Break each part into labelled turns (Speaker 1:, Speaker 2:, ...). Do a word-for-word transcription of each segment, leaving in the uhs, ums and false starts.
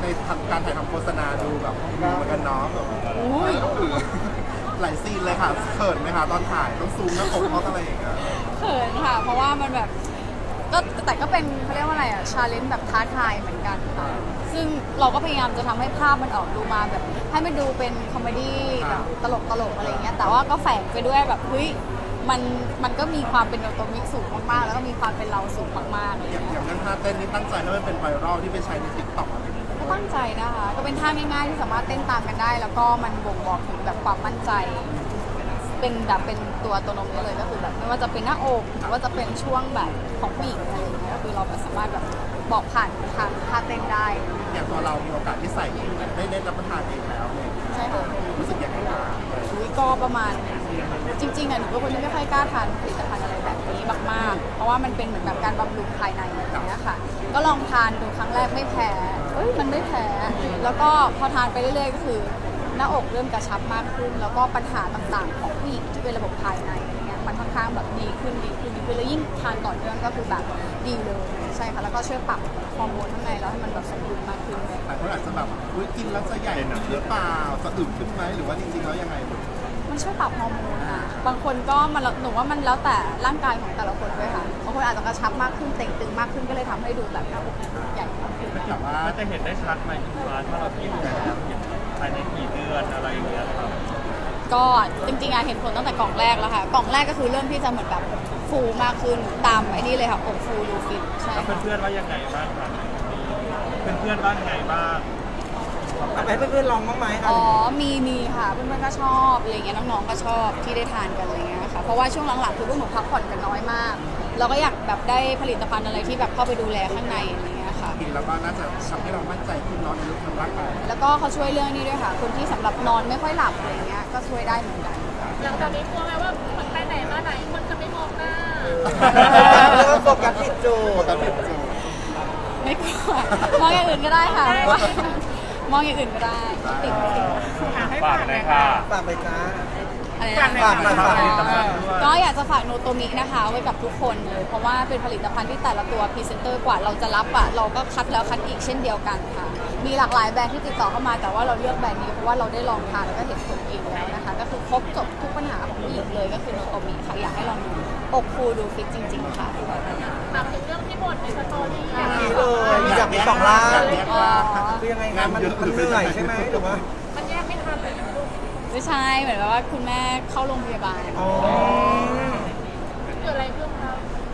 Speaker 1: ในการถ่ายทำโฆษณาดูแบบดูเหมือนกันเนาะแบบหลายซีนเลยค่ะเขินไหมคะตอนถ่ายต้องซูมหน้าอกเพราะอะไรอย่างเงี้ย
Speaker 2: เขินค่ะเพราะว่ามันแบบก็แต่ก็เป็นเขาเรียกว่าอะไรอะชาเลนจ์แบบท้าทายเหมือนกันค่ะซึ่งเราก็พยายามจะทำให้ภาพมันออกดูมาแบบให้มันดูเป็นคอมเมดี้แบบตลกตลกอะไรเงี้ยแต่ว่าก็แฝงไปด้วยแบบเฮ้ยมันมันก็มีความเป็นโนโตมิสูงมากๆแล้วก็มีความเป็นเราสูงมากๆอะไร
Speaker 1: อย่าง
Speaker 2: เงี้
Speaker 1: อย ย่างเรื่องท่าเต้นนี่ตั้งใจให้มันเป็นไวรัลที่ไปใช้ในติ๊กต็อกอะไรอย่างเงี้ย
Speaker 2: ก็ตั้งใจนะคะก็เป็นท่าง่ายๆที่สามารถเต้นตามกันได้ แล้วก็มันบ่งบอกถึงแบบความมั่นใจเป็นแบบเป็นตัวตนนี้เลยก็คือแบบไม่ว่าจะเป็นหน้าอกหรือว่าจะเป็นช่วงแบบของผู้หญิงอะไรอย่างเงี้ยก็คือเราแบบสามารถแบบบอกผ่านทางท่าเต้นได้
Speaker 1: อย่างตัวเรามีโอกาสที่ใส่เองได้เล่นรับประทานเองแล้วเนี่ย
Speaker 2: ใช่ค่ะ
Speaker 1: รู้สึกยังไงบ้าง
Speaker 2: อุ้ยก็ประมาณจริงๆอ่ะหนูเป็นคนที่ไม่ค่อยกล้าทานผลิตภัณฑ์อะไรแบบนี้มากๆเพราะว่ามันเป็นเหมือนแบบการบำรุงภายในอย่างเงี้ยค่ะก็ลองทานดูครั้งแรกไม่แพ้เอ้ยมันไม่แพ้แล้วก็พอทานไปเรื่อยๆก็คือหน้าอกเริ่มกระชับมากขึ้น แล้วก็ปัญหาต่างๆของผู้หญิงที่เป็นระบบภายในอะไรเงี้ยมันค่อนข้างแบบดีขึ้นดีขึ้นดีขึ้นแล้วยิ่งทานต่อเนื่องก็คือแบบดีเลยใช่ค่ะแล้วก็ช่วยปรับฮอร์โมนข้างในแล้วให้มันแบบสมดุลมากขึ้น
Speaker 1: หลายคนอาจจะแบบอุ้ยกินแล้วจะใหญ่หรือเปล่าจะอึมขึ้นไหมหรือว่าจริงๆแล้วยังไง
Speaker 2: มันช่วยปรับฮอร์โมนอะบางคนก็มันหนูว่ามันแล้วแต่ร่างกายของแต่ละคนด้วยค่ะบางคนอาจจะกระชับมากขึ้นเต่งตึงมากขึ้นก็เลยทำให้ดูแบบหน้าอกใหญ่มากขึ้น
Speaker 1: แต่ว่า
Speaker 3: มันจะเห็นได้ชัดไหมคุณฟ้าถ้าเรากินแล้วเห็นภายในกี่เดือนอะไรอย่างเงี้ยครับ
Speaker 2: ก็จริงๆอะเห็นผลตั้งแต่กล่องแรกแล้วค่ะกล่องแรกก็คือเริ่มที่จะเหมือนแบบฟูมากขึ้นตามไอ้นี่เลยค่ะอกฟูดูฟิตใช่
Speaker 3: แล้ว
Speaker 2: ค่ะ
Speaker 3: เพื่อนๆว่ายังไงบ้างครับเพื่อนๆว่ายังไงบ้าง
Speaker 4: เอาไปให้เพื่อนๆลองบ้างไหม
Speaker 2: อ๋อมีมีค่ะเพื่อนๆก็ชอบอะไรเงี้ยน้องๆก็ชอบที่ได้ทานกันอะไรเงี้ยค่ะเพราะว่าช่วงหลังๆคือพวกหนูพักผ่อนกันน้อยมากเราก็อยากแบบได้ผลิตภัณฑ์อะไรที่แบบเข้าไปดูแลข้างในอะไรเงี้ยค่ะ
Speaker 1: กินแล้วก็น่าจะทำให้เรามั่นใจขึ้นเนอนในเรื่องของร่างกาย
Speaker 2: แล้วก็เขาช่วยเรื่องนี้ด้วยค่ะ คนที่สำหรับนอนไม่ค่อยหลับอะไรเงี้ยก็ช่วยได้เหมือนกัน
Speaker 5: หลังจากนี้กลัวไหมว่ามันไปไหนมาไหนคนจะไม่มองหน้า
Speaker 4: เริ่มโฟกัสผิดจุ
Speaker 1: โอ้
Speaker 4: ด
Speaker 1: แต่ผิดจู
Speaker 2: ไม่กลัวมองอย่างอื่นก็ได้ค่ะมองอย่างอื่นก็ได้ไม่ติดไม่ติด
Speaker 3: ฝากเลยค่ะ
Speaker 4: ฝากไปจ้า
Speaker 2: อะไร
Speaker 4: ฝาก
Speaker 2: นะ
Speaker 4: ฝากฝากฝาก
Speaker 3: ผลิตภัณฑ์ด้วย
Speaker 2: ก็อยากจะฝากโนโตมินะคะไว้กับทุกคนเลยเพราะว่าเป็นผลิตภัณฑ์ที่แต่ละตัวพรีเซนเตอร์กว่าเราจะรับอ่ะเราก็คัดแล้วคัดอีกเช่นเดียวกันค่ะมีหลากหลายแบรนด์ที่ติดต่อเข้ามาแต่ว่าเราเลือกแบรนด์นี้เพราะว่าเราได้ลองทานแล้วก็เห็นผลเองแล้วนะคะก็คือครบจบทุกปัญหาของผู้หญิงเลยก็คือโนโตมิค่ะอยากให้ลองดูอกฟูดูฟิตจริง ๆ ค่ะ
Speaker 5: ถามถึงเรื่องที่บ่นในสตอรี่
Speaker 4: นี่เลยอยากมีสองล้าน
Speaker 1: อยกแยกร่าง
Speaker 4: คือยังไงคะมันมันเหนื่อยใช่ไหมหรือว่า
Speaker 5: มันแยกไม่ทันเลยนะลูก
Speaker 2: ไม่ใช่เหมือนแบบว่าคุณแม่เข้าโรงพยาบาล
Speaker 4: อ๋อ
Speaker 5: เกิดอะไรขึ้นคะ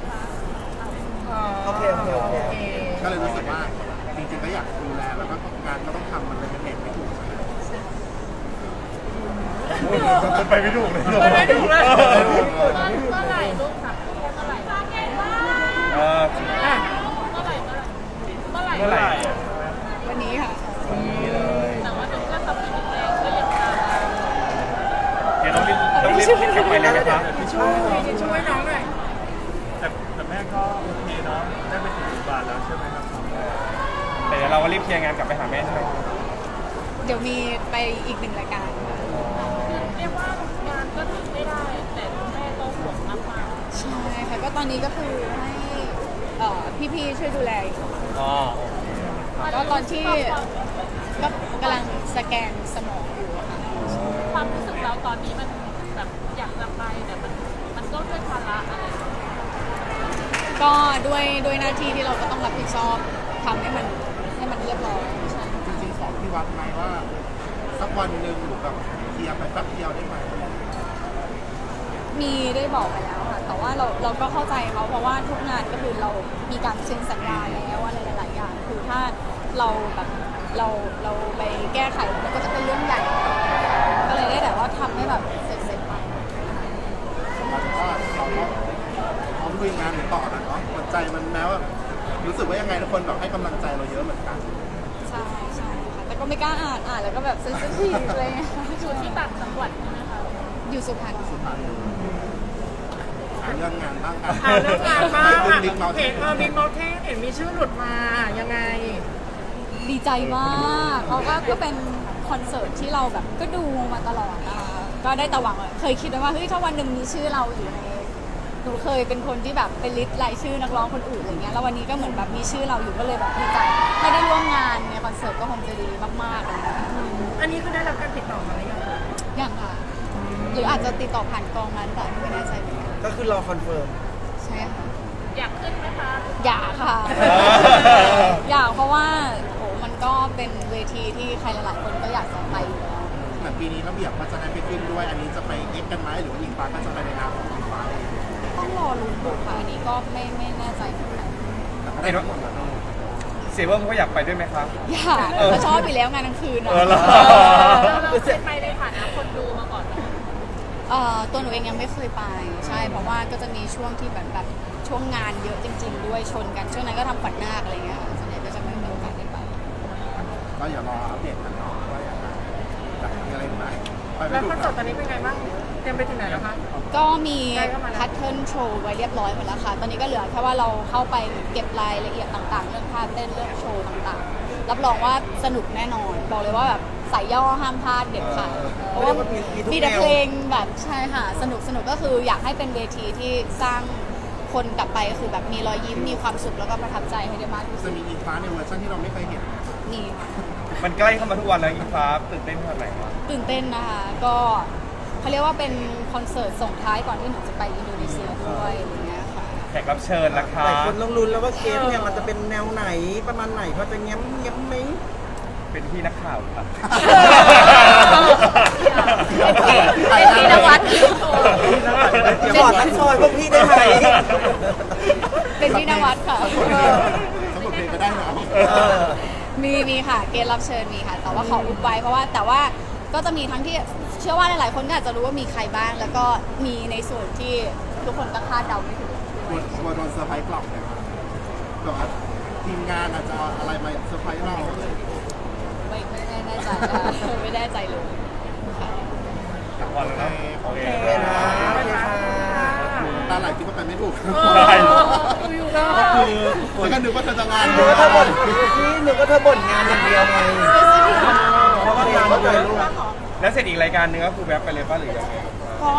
Speaker 4: โอเคโอเคโอเค
Speaker 1: ก็เลยรู้สึกว่าจริงๆก็อยากดูแลแล้วก็งานก็ต้องทำมันเลยเป็นเหตุไม่ถูกใช่ไหม
Speaker 3: มันไปไม่ถูกเลย
Speaker 5: เมื่อเมื่อไหร่ลูกถามเมื่อไหร่
Speaker 3: เออ
Speaker 5: เมื่อไหร่เมื่อไหร่เมื่อไหร่
Speaker 3: เมื่อไหร่
Speaker 2: วันนี้ค่ะ
Speaker 5: แต่ว่าหนูก็ทำผิดแรงก็ยังทำ
Speaker 3: เดี๋ยวต้องรีบต้องรีบคิดกลับไปเลยไหมครับ
Speaker 4: ช่วยช่วยน้องหน่อย
Speaker 3: แต่แต่แม่ก็โอเคเนาะได้ไปถึงโรงพยาบาลแล้วใช่ไหมครับแต่เดี๋ยวเราก็รีบเคลียร์งานกลับไปหาแม่ใช่ไหม
Speaker 2: เดี๋ยวมีไปอีกหนึ่งรายการค่ะ
Speaker 5: คือเรียกว่างานก็ทำไม่ได้ แต่คุณแม่ก็ห่วงมากๆ
Speaker 2: ใช่ค่ะก็ตอนนี้ก็คือให้เอ่อพี่ๆช่วยดูแลอยู่
Speaker 3: อ๋อ
Speaker 2: ก็ตอนที่ก็กำลังสแกนสมองอยู่อะค่ะ
Speaker 5: ความรู้สึกเราตอนนี้มันแบบอยากจะไปแต่มันมันก็ด้วยภาระอะไรอย่างเงี้ย
Speaker 2: ก็ด้วยด้วยหน้าที่ที่เราก็ต้องรับผิดชอบทำให้มันให้มันเรียบร้อยใช่
Speaker 1: จริงๆขอพี่วัดไหมว่าสักวันหนึ่งหรือแบบเคลียร์ไปแป๊บเดียวได้ไหม
Speaker 2: มีได้บอกไปแล้วค่ะแต่ว่าเราเราก็เข้าใจเขาเพราะว่าทุกงานก็คือเรามีการเซ็นสัญญาแล้วอะไรหลายๆอย่างคือถ้าเราแบบเราเราไปแก้ไขมันก็จะเป็นเรื่องใหญ่ก็เลยได้แต่ว่าทำให้แบบเสร็จๆไป
Speaker 1: เราก็เราก็พร้อมลุยงานต่อนะเนาะหัวใจมันแม้ว่ารู้สึกว่ายังไงทุกคนแบบให้กำลังใจเราเยอะเหมือนกัน
Speaker 2: ใช่ใช่ค่ะแต่ก็ไม่กล้าอ่านอ่านแล้วก็แบบเซนซิทีฟอะไรเลย
Speaker 5: อยู่ที่ต่างจังหวัดใช่ไหมคะ
Speaker 2: อยู่สุพรรณ
Speaker 1: สุดท้ายหาเรื่องงานบ้าง
Speaker 6: อ่าเรื่องงานบ้าง
Speaker 1: เรื่อง
Speaker 6: อ่ะ
Speaker 1: บิ๊กเมาส์
Speaker 6: เห็นเออบิ๊กเมาเทนเห็นมีชื่อหลุดมายังไง
Speaker 2: ดีใจมากเพราะว่าก็เป็นคอนเสิร์ตที่เราแบบก็ดูมาตลอดนะคะก็ได้แต่หวังเคยคิดไว้ว่าเฮ้ยถ้าวันหนึ่งมีชื่อเราอยู่ในหนูเคยเป็นคนที่แบบเป็นลิสต์รายชื่อนักร้องคนอื่นอะไรเงี้ยแล้ววันนี้ก็เหมือนแบบมีชื่อเราอยู่ก็เลยแบบดีใจถ้าได้ร่วมงานในคอนเสิร์ตก็คงจะอาจจะติดต่อผ่านกองนั้นแต่ไม่แน่ใจเหมือนกัน
Speaker 4: ก็คือรอคอนเฟิร์ม
Speaker 2: ใช่ค่ะ
Speaker 5: อยากขึ้นไหมคะ
Speaker 2: อยากค่ะ
Speaker 3: อ
Speaker 2: อยากเพราะว่าโหมันก็เป็นเวทีที่ใครหลายๆคนก็อยากจะไปอยู่แล้ว
Speaker 1: เหมือนปีนี้ระเบียบก็จะได้ไปขึ้นด้วย อันนี้จะไปเอ็กซ์กันไหมหรือว่าอิงฟ้าก็จะไปในนามของอิงฟ้าเอง
Speaker 2: ต้องรอลุ้นดูค่ะอันนี้ก็ไม่ไม่แน่ใจเหมือนกัน
Speaker 1: แต่ก็ได้ทั้งหมดแล้วเนอะ
Speaker 3: เสียเบิ้มเขาอยากไปด้วยไหมครับ
Speaker 2: อยากเขาชอบไปแล้วงานกลางคืนอะ
Speaker 3: เออเหรอ
Speaker 5: เราเราเคยไปในฐานะคนดูมาก่อนไหม
Speaker 2: เอ่อตัวหนูเองยังไม่เคยไปใช่เพราะว่าก็จะมีช่วงที่แบบแบบช่วงงานเยอะจริง ๆ ด้วยชนกันช่วงนั้นก็ทำขวัญนาคอะไรเงี้ยค่ะส่วนใหญ่ก็จะไม่มีโอกาสได้ไป
Speaker 1: ก็อย่ารออัปเดตกันเนาะว่าอย่างไรจะมีอะไรไหมไปไม่
Speaker 6: แล้ว
Speaker 1: ถู
Speaker 6: ค
Speaker 1: ก
Speaker 6: อน
Speaker 1: ค
Speaker 6: เสิ
Speaker 1: รั
Speaker 6: ร์
Speaker 1: บ
Speaker 6: ตตอนนี้เป็นไงบ้าง เตรียมไปถึงไหนแล้วคะ
Speaker 2: ก็มี
Speaker 6: ใกล้เข้ามาแล้ว
Speaker 2: แพทเทิร์นโชว์ไว้เรียบร้อยหมดแล้วค่ะ ตอนนี้ก็เหลือแค่ว่าเราเข้าไปเก็บรายละเอียดต่างๆ เรื่องท่าเต้นเรื่องโชว์ต่างๆ รับรองว่าสนุกแน่นอน บอกเลยว่าแบบสายย่อห้ามพลาดเด็ดขาดเพราะว่ามีแต่เพลงแบบใช่ค่ะสนุกสนุกก็คืออยากให้เป็นเวทีที่สร้างคนกลับไปคือแบบมีรอยยิ้มมีความสุขแล้วก็ประทับใจให้ได้มากที่สุ
Speaker 1: จะ
Speaker 2: ด
Speaker 1: มีอิงฟ้าในเวอร์ชันที่เราไม่เคยเห็น
Speaker 2: นี่ค่ะ
Speaker 3: มันใกล้เข้ามาทุกวันแล้วอิงฟ้าตื่นเต้นขนาดไหนวะ
Speaker 2: ตื่นเต้นนะคะ ก็เขาเรียกว่าเป็นคอนเสิร์ตส่งท้ายก่อนที่หนูจะไปอินโดนีเซียด้วยอย่างเงี้ยค่ะ
Speaker 3: แขกรับเชิญราคา
Speaker 4: หลายคนต้องลุ้นแล้วว่าเกมเนี่ยมันจะเป็นแนวไหนประมาณไหนพอจะเงี้ยมเงี้ยมไหม
Speaker 3: เป็นพี่นักข่าวครับ
Speaker 2: เป็นพี่นวัด
Speaker 4: อย่าบอกทั้งซอยพวกพี่ได้ไหม
Speaker 2: เป็นพี่นวัดค่ะ
Speaker 1: ทั้งหมดเพลงก็ได้เนาะ
Speaker 4: เออ
Speaker 2: มีมีค่ะ เกณฑ์รับเชิญมีค่ะ แต่ว่าขออุบไว้เพราะว่าแต่ว่าก็จะมีทั้งที่เชื่อว่าหลายๆคนก็อาจจะรู้ว่ามีใครบ้าง แล้วก็มีในส่วนที่ทุกคนก็คาดเดาไม่ถึง
Speaker 1: กลัวกลัวโดนเซอร์ไพรส์กลับเลยครับแบบว่าทีมงานอาจจะเอาอะไรมาเซอร์ไพรส์เรา
Speaker 2: ไม่ไม่แน่ใจนะคะไม่แน่ใจเลยค่ะ
Speaker 3: ทุกวันแล้วนะโอเค
Speaker 4: โอเคนะโอเคค่ะ
Speaker 1: ตาไหลคิดว่าไปไม่ถูก
Speaker 3: ได้
Speaker 6: อยู่ๆก็
Speaker 1: ก็คือแล้วก็นึกว่าเธอจะงาน
Speaker 4: หนูก็เธอบ่นพี่หนูก็เธอบ่นงานอย่างเดียวไงเพราะว่างานเยอะลูก
Speaker 3: แล้วเสร็จอีกรายการหนึงก็คือแวบไปเลยป่ะหรือยังไง